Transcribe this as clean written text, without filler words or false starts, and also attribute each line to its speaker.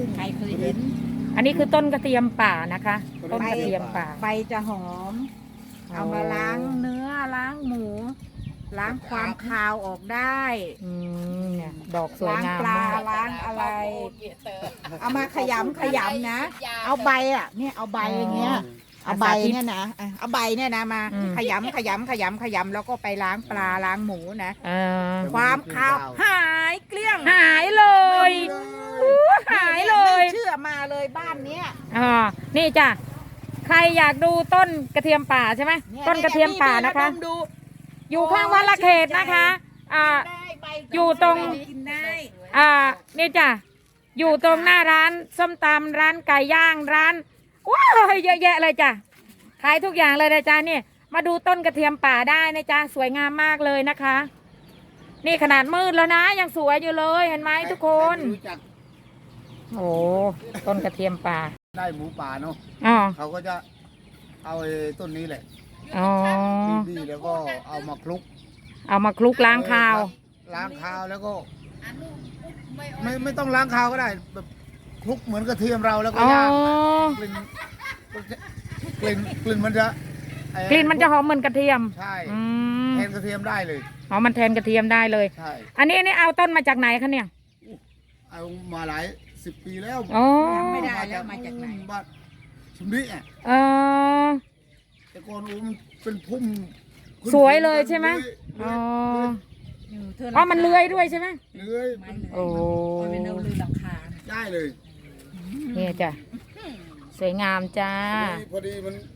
Speaker 1: ใครเคยเห็น
Speaker 2: อันนี้คือต้นกระเทียมป่านะคะ ต้นกระเทียมป่า
Speaker 1: ใบจะหอม เอามาล้างเนื้อล้างหมู ล้างความคาวออกได้
Speaker 2: เนี่ยดอกสวยงาม
Speaker 1: ล้างปลาม
Speaker 2: าก
Speaker 1: ล้างอะไร เอามาขยำนะ เอาใบอ่ะเนี่ยเอาใบอย่างเงี้ย เอาใบเนี่ยนะเอาใบเนี่ยนะมาขยำแล้วก็ไปล้างปลาล้างหมูนะ ความคาวหายเกลี้ยง
Speaker 2: หายเลยหายเลย
Speaker 1: ไม่เชื่อมาเลยบ้านเนี้ย
Speaker 2: นี่จ้ะใครอยากดูต้นกระเทียมป่าใช่ไหมต้นกระเทียมป่านะคะ
Speaker 1: ดู
Speaker 2: อยู่ข้างวัดละเขตนะคะอยู่ตรง
Speaker 1: กินได้
Speaker 2: นี่จ้ะอยู่ตรงหน้าร้านส้มตำร้านไก่ย่างร้านว้าวเยอะแยะเลยจ้ะขายทุกอย่างเลยนะจ๊ะนี่มาดูต้นกระเทียมป่าได้นะจ๊ะสวยงามมากเลยนะคะ นี่ขนาดมืดแล้วนะยังสวยอยู่เลยเห็นไหมทุกคนโอ้ต้นกระเทียมป่า
Speaker 3: ได้หมูป่าเนาะ
Speaker 2: อ๋อ
Speaker 3: เขาก็จะเอาไอ้ต้นนี้แหละ
Speaker 2: อ๋อ
Speaker 3: ดีๆแล้วก็เอามาคลุก
Speaker 2: เอามาคลุกล้างคาว
Speaker 3: ล้างคาวแล้วก็ไม่ต้องล้างคาวก็ได้แบบคลุกเหมือนกระเทียมเราแล้วก็
Speaker 2: อ๋อ
Speaker 3: ย่างกลิ่นกลิ่นมันจะ
Speaker 2: กลิ่นมันจะหอมเหมือนกระเทียม
Speaker 3: ใช่
Speaker 2: อืม
Speaker 3: แทนกระเทียมได้เลย
Speaker 2: อ๋อมันแทนกระเทียมได้เลย
Speaker 3: ใช่
Speaker 2: อันนี้เอาต้นมาจากไหนคะเนี่ย
Speaker 3: เอามาหลาย10 ปีแล้ว
Speaker 2: อ๋อ
Speaker 1: ไม่ได้แล้วมาจากไหน
Speaker 3: บ้านชุมนี้อ่ะ
Speaker 2: เออ
Speaker 3: แต่ก่อนมันเป็นพุ่มขึ้น
Speaker 2: สวยเลยใช่ไหม
Speaker 3: เลื้
Speaker 2: อ๋
Speaker 3: อ
Speaker 2: อย อ๋อมันเลื้อยด้วยใช่ไหม
Speaker 3: เลื้อย
Speaker 2: โอ้
Speaker 1: มันเป็นเอาลือหลังคา
Speaker 3: ได้เลย
Speaker 2: นี่จ้ะสวยงามจ้า
Speaker 3: พอดีมัน